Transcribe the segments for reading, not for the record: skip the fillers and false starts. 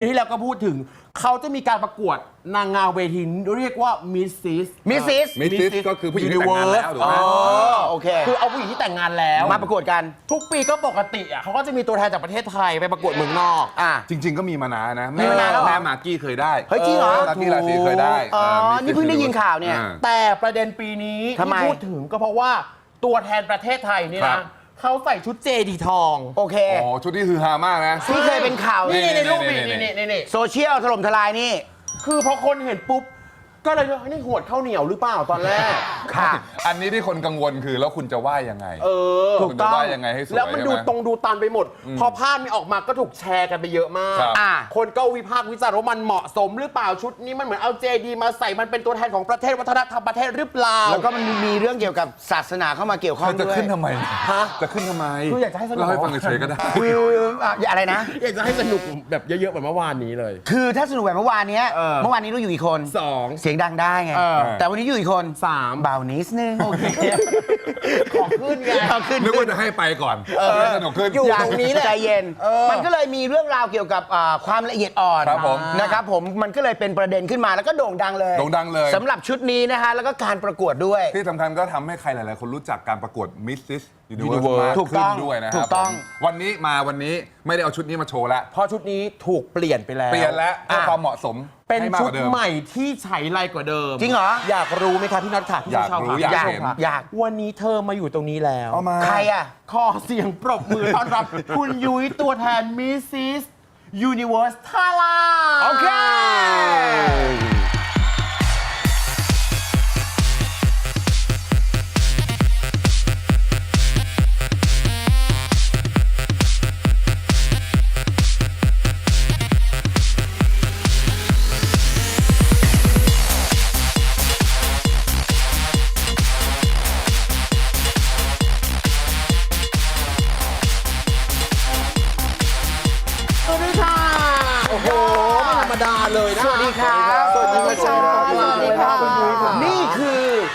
ที่แล้วก็พูดถึงเขาจะมีการประกวดนางงามเวทีเรียกว่ามิสซิสก็คือผู้หญิงที่แต่งงานแล้วถูกไหมโอเคคือเอาผู้หญิงที่แต่งงานแล้วมาประกวดกันทุกปีก็ปกติอ่ะเขาก็จะมีตัวแทนจากประเทศไทยไปประกวดเมืองนอกจริงๆก็มีมานานนะมีมานานแล้วแม่มากกี้เคยได้เฮ้ยจริงเหรอมากกี้ราศีเคยได้นี่เพิ่งได้ยินข่าวเนี่ยแต่ประเด็นปีนี้ที่พูดถึงก็เพราะว่าตัวแทนประเทศไทยนี่นะเขาใส่ชุดเจดีทองโอเคชุดที่คือฮามากนะที่เคยเป็นข่าวนี่ในรูปนี่โซเชียลถล่มทลายนี่คือพอคนเห็นปุ๊บก็เลยนี่หวดข้าวเหนียวหรือเปล่าตอนแรกค่ะอันนี้ที่คนกังวลคือแล้วคุณจะว่ายังไงถูกต้องว่ายังไงให้สวยแล้วมันดูตันไปหมดพอภาพนี้ออกมาก็ถูกแชร์กันไปเยอะมากคนก็วิพากษ์วิจารณ์ว่ามันเหมาะสมหรือเปล่าชุดนี้มันเหมือนเอาเจดีมาใส่มันเป็นตัวแทนของประเทศวัฒนธรรมประเทศหรือเปล่าแล้วก็มันมีเรื่องเกี่ยวกับศาสนาเข้ามาเกี่ยวข้องด้วยจะขึ้นทำไมจะขึ้นทำไมคืออยากจะให้สนุกเราให้ฟังเฉยๆก็ได้คืออะไรนะอยากจะให้สนุกแบบเยอะๆแบบเมื่อวานนี้เลยคือถ้าสนุกแบบเมื่อวานนี้เราอยู่กี่คน 2 เสียงดังได้ไงแต่วันนี้อยู่อีกคน 3 เบานิดนึงโอเคของขึ้นไงนึกว่าจะให้ไปก่อนสนุกขึ้นอยู่ตรงนี้แหละใจเย็นมันก็เลยมีเรื่องราวเกี่ยวกับความละเอียดอ่อนนะครับผมมันก็เลยเป็นประเด็นขึ้นมาแล้วก็โด่งดังเลยสำหรับชุดนี้นะฮะแล้วก็การประกวดด้วยที่สำคัญก็ทำให้ใครหลายๆคนรู้จักการประกวด Mrs. Universe มากขึ้นด้วยนะครับถูกต้องวันนี้ไม่ได้เอาชุดนี้มาโชว์แล้วเพราะชุดนี้ถูกเปลี่ยนไปแล้วเพื่อความเหมาะสมเป็นชุดใหม่ที่ใช้ไรกว่าเดิมจริงเหรออยากรู้ไหมครับพี่น็อตค่ะอยากรู้อยากเห็นวันนี้เธอมาอยู่ตรงนี้แล้วใครอ่ะขอเสียงปรบมือต้อนรับคุณยุ้ยตัวแทน Mrs. Universe Thailand โอเคเลยนะสวัสดีครับสวัสดีครับนี่คือ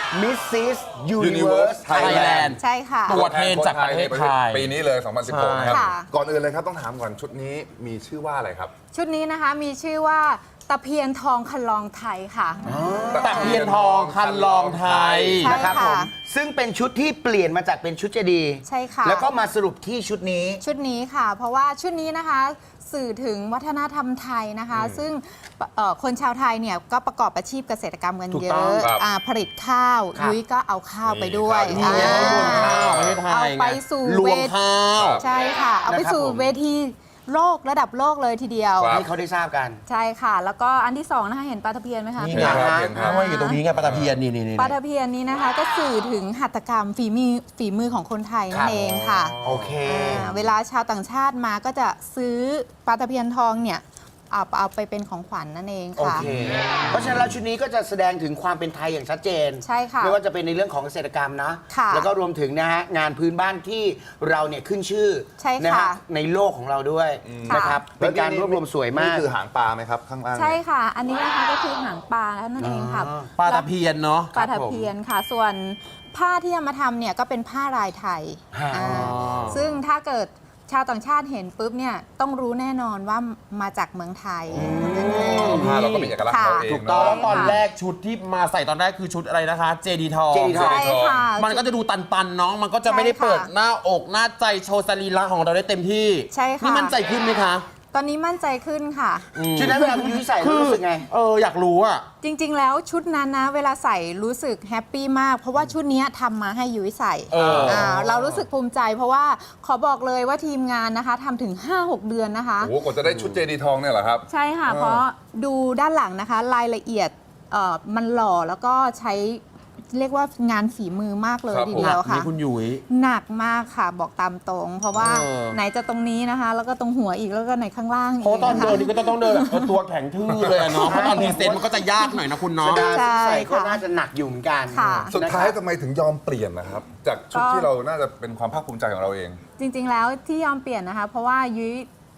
Mrs. Universe Thailand ใช่ค่ะตัวแทนจากประเทศไทยปีนี้เลย 2016 นะครับก่อนอื่นเลยครับต้องถามก่อนชุดนี้มีชื่อว่าอะไรครับชุดนี้นะคะมีชื่อว่าตะเพียนทองคันลองไทยค่ะตะเพียนทองคันลองไทยนะครับผมซึ่งเป็นชุดที่เปลี่ยนมาจากเป็นชุดเจดีย์ใช่ค่ะแล้วก็มาสรุปที่ชุดนี้ค่ะเพราะว่าชุดนี้นะคะสื่อถึงวัฒนธรรมไทยนะคะซึ่งคนชาวไทยเนี่ยก็ประกอบอาชีพเกษตรกรรมกันเยอะผลิตข้าวยุ้ยก็เอาข้าวไปด้วยเอาไปสู่เวทีใช่ค่ะเอาไปสู่เวทีโลกระดับโลกเลยทีเดียวให้เขาได้ทราบกันใช่ค่ะแล้วก็อันที่2นะคะเห็นปลาตะเพียนไหมคะนี่ไงว่าอยู่ตรงนี้ไงปลาตะเพียนนี่ปลาตะเพียนนี้นะคะก็สื่อถึงหัตถกรรมฝีมือของคนไทยนั่นเองค่ะโอเคเวลาชาวต่างชาติมาก็จะซื้อปลาตะเพียนทองเนี่ยเอาไปเป็นของขวัญนั่นเองค่ะเพราะฉะนั้นแล้วชุดนี้ก็จะแสดงถึงความเป็นไทยอย่างชัดเจนใช่ค่ะไม่ว่าจะเป็นในเรื่องของเกษตรกรรมนะแล้วก็รวมถึงนะฮะงานพื้นบ้านที่เราเนี่ยขึ้นชื่อนะฮะในโลกของเราด้วยนะครับเป็นการรวบรวมสวยมากนี่คือหางปลาไหมครับข้างล่างใช่ค่ะอันนี้นะคะก็คือหางปลานั่นเองค่ะปลาตะเพียนเนาะปลาตะเพียนค่ะส่วนผ้าที่เอามาทำเนี่ยก็เป็นผ้าลายไทยซึ่งถ้าเกิดชาวต่างชาติเห็นปุ๊บเนี่ยต้องรู้แน่นอนว่ามาจากเมืองไทยผ้าเราก็มีเอกลักษณ์เราเองถูกต้องตอนแรกชุดที่มาใส่ตอนแรกคือชุดอะไรนะคะเจดีทองใช่ค่ะมันก็จะดูตันๆเนาะมันก็จะไม่ได้เปิดหน้าอกหน้าใจโชว์สรีระของเราได้เต็มที่ใช่ค่ะนี่มั่นใจขึ้นไหมคะตอนนี้มั่นใจขึ้นค่ะชุดนั้นเวลาคุณยุ้ยใส่รู้สึกไงอยากรู้อ่ะจริงๆแล้วชุดนั้นนะเวลาใส่รู้สึกแฮปปี้มากเพราะว่าชุดนี้ทำมาให้ยุ้ยใส่เรารู้สึกภูมิใจเพราะว่าขอบอกเลยว่าทีมงานนะคะทำถึง 5-6 เดือนนะคะโอ้กว่าจะได้ชุดเจดีทองเนี่ยเหรอครับใช่ค่ะเพราะดูด้านหลังนะคะรายละเอียดมันหล่อแล้วก็ใช้เรียกว่างานฝีมือมากเลยทีเดียวค่ะคุณยุ้ยหนักมากค่ะบอกตามตรงเพราะว่าไหนจะตรงนี้นะคะแล้วก็ตรงหัวอีกแล้วก็ไหนข้างล่างอีกเพราะตอนเดินนี่ก็ต้องเดินแบบตัวแข็งทื่อเลยเนาะเพราะตอนพรีเซนต์มันก็จะยากหน่อยนะคุณเนาะใช่ก็น่าจะหนักอยู่เหมือนกันสุดท้ายทำไมถึงยอมเปลี่ยนนะครับจากชุดที่เราน่าจะเป็นความภาคภูมิใจของเราเองจริงๆแล้วที่ยอมเปลี่ยนนะคะเพราะว่ายุ้ย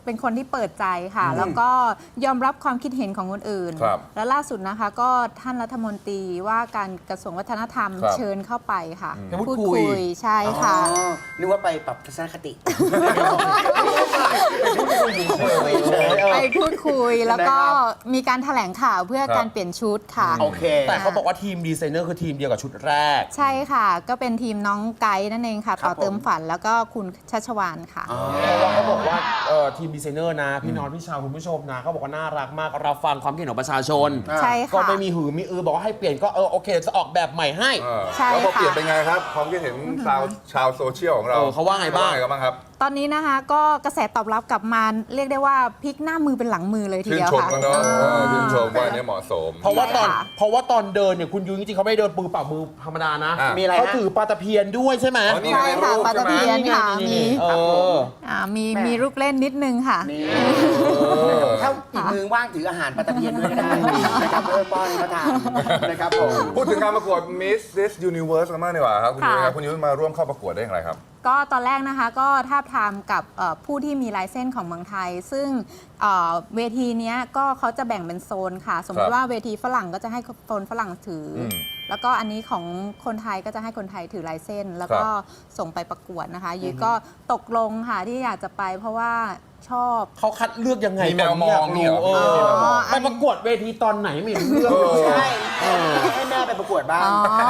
เป็นคนที่เปิดใจค่ะ แล้วก็ยอมรับความคิดเห็นของคนอื่นครับและล่าสุดนะคะก็ท่านรัฐมนตรีว่าการกระทรวงวัฒนธรรมครับเชิญเข้าไปค่ะจะพูดคุยใช่ค่ะนึกว่าไปปรับทัศนคติไปพูดคุยแล้วก็นะครับมีการแถลงข่าวเพื่อครับการเปลี่ยนชุดค่ะโอเคแต่เขาบอกว่าทีมดีไซเนอร์คือทีมเดียวกับชุดแรกใช่ค่ะ ก็เป็นทีมน้องไกด์นั่นเองค่ะครัต่บอเติมฝันแล้วก็คุณชัชวานค่ะเพราะว่าเขาบอกว่าทีมดีไซเนอร์นะ พี่นอนพี่ชาวคุณผู้ชมนะเขาบอกว่าน่ารักมากเราฟังความคิดเห็นของประชาชนใช่ก็ค่ะไม่มีหือมีอือบอกว่าให้เปลี่ยนก็โอเคจะออกแบบใหม่ให้ใช่แล้วพอค่ะเปลี่ยนเป็นไงครับความคิดเห็นชาวโซเชียลของเราเขาว่าไงบ้างครับตอนนี้นะคะก็กระแสตอบรับกลับมาเรียกได้ว่าพลิกหน้ามือเป็นหลังมือเลยทีชื่นเดียวชมค่ะกันเนาะชื่นชมว่าอันนี้เหมาะสมเพราะว่าตอนค่ะเดินเนี่ยคุณยุ้ยจริงๆเขาไม่ได้เดินปือเปล่ามือธรรมดานะอ่ะมีอะไรฮะเขาถือปลาตะเพียนด้วยใช่ไหมอ๋อนี่ใช่ค่ะปลาตะเพียนค่ะนี่มีเออมีลูกเล่นนิดนึงค่ะถ้าอีกมือว่างถืออาหารปลาตะเพียนด้วยก็ได้นะครับป้อนเขาทานนะครับผมพูดถึงการประกวด Miss This Universe กันมากดีกว่าครับคุณยุ้ยครับค่ะคุณยุ้ยมาร่วมเข้าประกวดได้อย่างไรครับก็ตอนแรกนะคะก็ทาบทามกับผู้ที่มีลายเส้นของเมืองไทย ซึ่งเวทีเนี้ยก็เขาจะแบ่งเป็นโซนค่ะ สมมครัติบว่าเวทีฝรั่งก็จะให้โซนฝรั่งถืออมแล้วก็อันนี้ของคนไทยก็จะให้คนไทยถือลายเส้น แล้วก็ส่งไปประกวดนะคะยุ้ยก็ตกลงค่ะที่อยากจะไปเพราะว่าชอบเขาคัดเลือกยังไงมีแมวมองเนี่ยเหรอเออมีแมวมองไปประกวดเวทีตอนไหนไม่รู้เรื่องใช่ให้แม่ไปประกวดบ้าง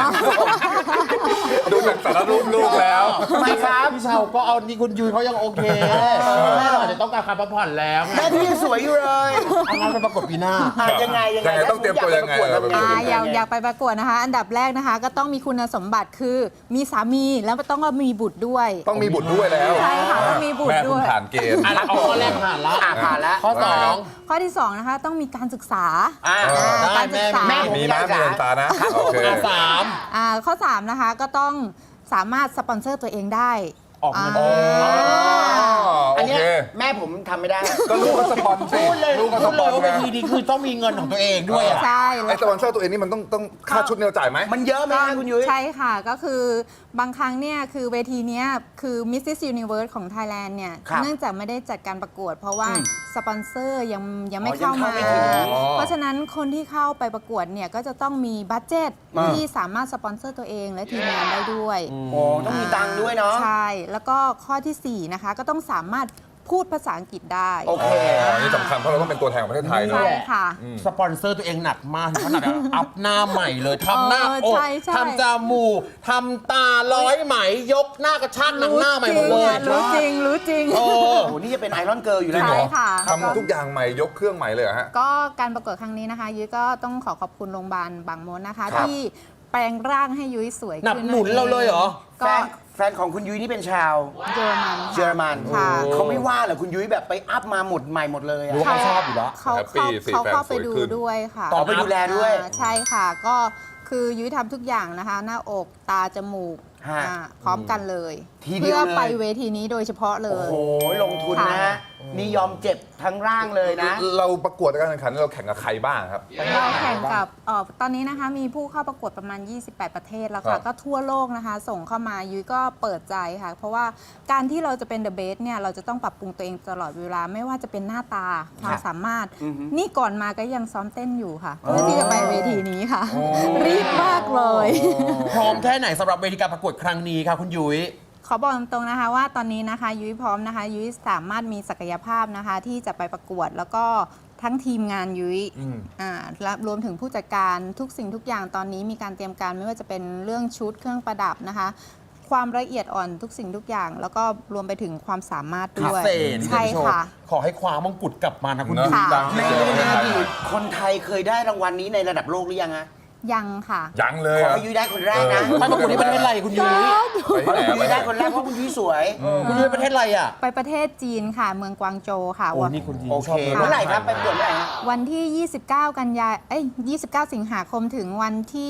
ดูจากสารรูปลูกแล้วทำไมครับพี่เชาก็เอานี่คุณยุ้ยเขายังโอเคแม่เราอาจจะต้องการการพักผ่อนแล้วไงแม่พี่ยังสวยอยู่เลยเอางั้นไปประกวดปีหน้ายังไงยังไงต้องเตรียมตัวยังไงอยากไปประกวดนะคะ อันดับแรกนะคะ ก็ต้องมีคุณสมบัติคือมีสามีแล้วต้องมีบุตรด้วยต้องมีบุตรด้วยแล้วใช่ค่ะต้องมีบุตรแม่คุณด้วยผ่านเกณฑ์อ่ะเอาข้อแรกผ่านละผ่านแล้วข้อสองข้อที่ 2 นะคะ ต้องมีการศึกษาได้การศึกษาแม่มีนะมีตานะโอเคสามข้อ 3 นะคะก็ต้องสามารถสปอนเซอร์ตัวเองได้ออกเงินอัโอนเนี้เคยแม่ผมทำไม่ได้ก็ลูกก็สปอนสิพูดเลยลูกก็สพูดปเลอย นว่าไงเวทีนี้คือต้องมีเงินของตัวเองด้วยอ่ะใช่ไอ้แล้วสปอนเซอร์ตัวเองนี่มันต้องค่าชุดเนี่ยเราจ่ายไหมมันเยอะไหมคะคุณยุ้ยใช่ค่ะ ก็คือบางครั้งเนี่ยคือเวทีเนี้ยคือ Mrs. Universe ของ Thailand เนี่ยครับเนื่องจากไม่ได้จัดการประกวด เพราะว่าสปอนเซอร์ยังไม่อ๋อเข้ายังมาเข้าไม่ถึงเพราะฉะนั้นคนที่เข้าไปประกวดเนี่ยก็จะต้องมีบัตเจ็ตอ่าที่สามารถสปอนเซอร์ตัวเองและทีมงานได้ด้วยโอ้ต้องมีตังค์ด้วยเนาะใช่ แล้วก็ข้อทีสี่ 4 นะคะ ก็ต้องสามารถพูดภาษาอังกฤษได้โอเคอันนี้สำคัญเพราะเราต้องเป็นตัวแทนของประเทศไทยเนใช่อะค่ะสปอนเซอร์ตัวเองหนักมากถึงขนาดแบบอัพหน้าใหม่เลยทำหน้าอกใช่ใช่ทำจมูกทำตาร้อยไหมยกหน้ากระชากหนังหน้าใหม่หมดเลยรู้จริงรู้จริงโอ้โอ้โหนี่จะเป็นไอรอนเกิร์ลอยู่จริแล้วงเหรอใช่ค่ะทำทุกอย่างใหม่ยกเครื่องใหม่เลยเหรอฮะก็การประกวดครั้งนี้นะคะ ยุ้ยก็ต้องขอบคุณโรงพยาบาลบางมดนะคะครับที่แปลงร่างให้ยุ้ยสวยหนับขึ้นหนุนเราเลยเหรอก็แฟนของคุณยุ้ยนี่เป็นชาวเยอรมันเยอรมันค่ะเขาไม่ว่าเหรอคุณยุ้ยแบบไปอัพมาหมดใหม่หมดเลยอะรู้ว่าเขาชอบอยู่แล้วเขาแฮปปี้สิเขาแฟนเข้าไปสวยดูขึ้นด้วยค่ะต่อไปดูแลด้วยใช่ค่ะ ก็คือยุ้ยทำทุกอย่างนะคะ หน้าอกตาจมูกฮะพร้อมกันเลยทีเดียวเพื่อเลยไปเวทีนี้โดยเฉพาะเลโอ้ยโหลงทุนนะค่ะนี่ยอมเจ็บทั้งร่างเลยนะเราประกวดการแข่งขันเราแข่งกับใครบ้างครับเราแข่งกับตอนนี้นะคะมีผู้เข้าประกวดประมาณ 28 ประเทศแล้วครัค่ะบก็ทั่วโลกนะคะ ส่งเข้ามายุ้ยก็เปิดใจค่ะ เพราะว่าการที่เราจะเป็นเดอะเบสเนี่ยเราจะต้องปรับปรุงตัวเองตลอดเวลาไม่ว่าจะเป็นหน้าตาความสามารถ นี่ก่อนมาก็ยังซ้อมเต้นอยู่ค่ะ เพื่อที่จะไปเวทีนี้ค่ะ รีบมากเลยพร้อมแค่ไหนสำหรับเวทีการประกวดครั้งนี้ค่ะคุณยุ้ยขอบอกตรงๆนะคะว่าตอนนี้นะคะยุ้ยพร้อมนะคะ ยุ้ยสามารถมีศักยภาพนะคะ ที่จะไปประกวดแล้วก็ทั้งทีมงานยุ้ยและรวมถึงผู้จัดการทุกสิ่งทุกอย่างตอนนี้มีการเตรียมการไม่ว่าจะเป็นเรื่องชุดเครื่องประดับนะคะ ความละเอียดอ่อนทุกสิ่งทุกอย่าง แล้วก็รวมไปถึงความสามารถพิด้วยเศษใช่ค่ะขอให้คว้ามงกุฎกลับมานะคุณเนอะยุ้ยค่ะในอดีตคนไทยเคยได้รางวัลนี้ในระดับโลกหรือยังฮะยังค่ะยังเลยขออะให้ยุ้ยได้คนแรกนะไปประกวดที่ประเทศอะไรคุณยุ้ยไปที่ไหนยุ้ยได้คนแรกเพราะคุณยุ้ยสวยคุณยุ้ยประเทศอะไรอ่ะไปประเทศจีนค่ะ เมืองกวางโจวค่ะโอ้นี่คุณยุ้ยโอชเคอบเมื่อไหร่ครับไปประกวดเมื่อไหร่ฮะวันที่ 29 กันยา29 สิงหาคมถึงวันที่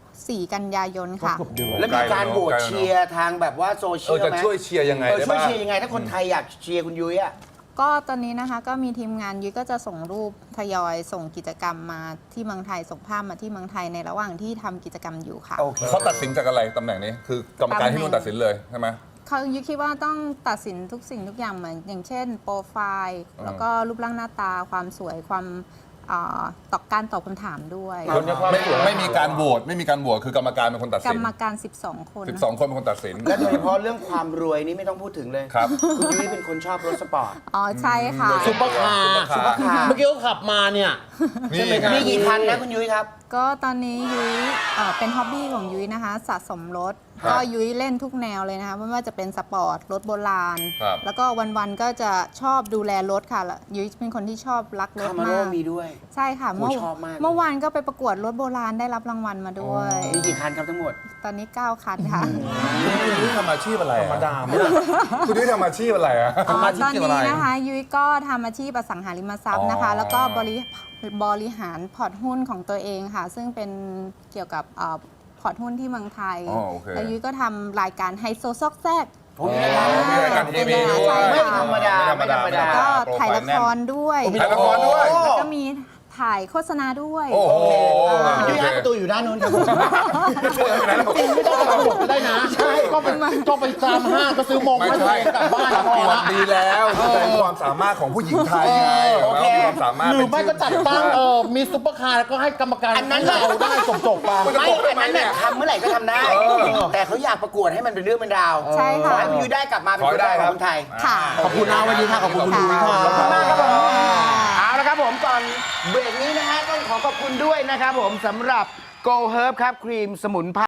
4 กันยายนค่ะเกือบเดือนแล้วมีการโหวตเชียร์ทางแบบว่าโซเชียลจะไหมช่วยเชียร์ยังไงได้ช่วยบ้างเชียร์ยังไง ถ้าคนไทยอยากเชียร์คุณยุ้ยอะก็ตอนนี้นะคะก็มีทีมงานยุ้ยก็จะส่งรูปทยอยส่งกิจกรรมมาที่เมืองไทยส่งภาพมาที่เมืองไทยในระหว่างที่ทำกิจกรรมอยู่ค่ะโอเคเขาตัดสินจากอะไรตำแหน่งนี้ คือกรรมการที่นู่นตัดสินเลยใช่ไหมเขายุ้ยคิดว่าต้องตัดสินทุกสิ่งทุกอย่างเหมือนอย่างเช่นโปรไฟล์แล้วก็รูปร่างหน้าตาความสวยความตอบการตอบคำถามด้วยไม่มีการโหวตไม่มีการโหวตคือกรรมการเป็นคนตัดกรสินรมการ 12 คน 12 คนเป็นคนตัดสินและโดยเฉพาะเรื่องความรวยนี่ไม่ต้องพูดถึงเลยครับคุณยุ้ยเป็นคนชอบรถสปอร์ตอ๋อใช่ค่ะซุปเปอร์คาร์ซุปเปอร์คาร์เมื่อกี้เขาขับมาเนี่ยใช่ไหมครับมีกี่คันนะคุณยุ้ยครับก็ตอนนี้ยุ้ยเป็นฮ็อบบี้ของยุ้ยนะคะสะสมรถครับก็ยุ้ยเล่นทุกแนวเลยนะคะไม่ว่าจะเป็นสปอร์ตรถโบราณครับแล้วก็วันๆก็จะชอบดูแลรถค่ะแล้วยุ้ยเป็นคนที่ชอบรักรถคามาโร่มากมีด้วยใช่ค่ะชอบมากเมื่อวานก็ไปประกวดรถโบราณได้รับรางวัลมาด้วยมีกี่คันครับทั้งหมดตอนนี้ 9 คันค่ะคุณยุ้ยทำอาชีพอะไรธรรมดาคุณยุ้ยทำอาชีพอะไรอะตอนนี้นะคะยุ้ยก็ทำอาชีพอสังหาริมทรัพย์นะคะ แล้วก็บริหารพอร์ตหุ้นของตัวเองค่ะ ซึ่งเป็นเกี่ยวกับพอร์ตหุ้นที่เมืองไทยอ๋อโอเคแล้วยุ้ยก็ทำรายการไฮโซซอกแซกมีรายการทีวีด้วยใช่ไม่ค่ะธรรมดาไม่ธรรมดาก็ถ่ายละครด้วยถ่ายละครด้วยแล้วก็มีถ่ายโฆษณาด้วยโอ้โหคุณยุ้ยฮะประตูอยู่ด้านนู้นครับผมจริงไม่ต้องไปหมดก็ได้นะ ใช่ก็ไปตามห้างก็ซื้อมงไม่มาใช่กลับบ้านประพกอวดละดีแล้วแสดงความสามารถของผู้หญิงไทยไงโอเคความสามารถหรือไม่ก็จัดตั้งมีซุปเปอร์คาร์แล้วก็ให้กรรมการอันนั้นเราได้จบๆไปไม่อันนั้นเนี่ยทำเมื่อไหร่ก็ทำได้ แต่เขาอยากประกวดให้มันเป็นเรื่องเป็นราวใช่ขอค่ะให้คุณยุ้ยได้กลับมาเป็นคนแรกของคนไทยค่ะขอบคุณนะวันนี้ค่ะขอบคุณคุณยุ้ยค่ะขอบคุณมากครับผมเอาละครับผมก่อนเบรกนี้นะฮะต้องขอขอบคุณด้วยนะครับผมสำหรับ Go Herb ครับครีมสมุนไพร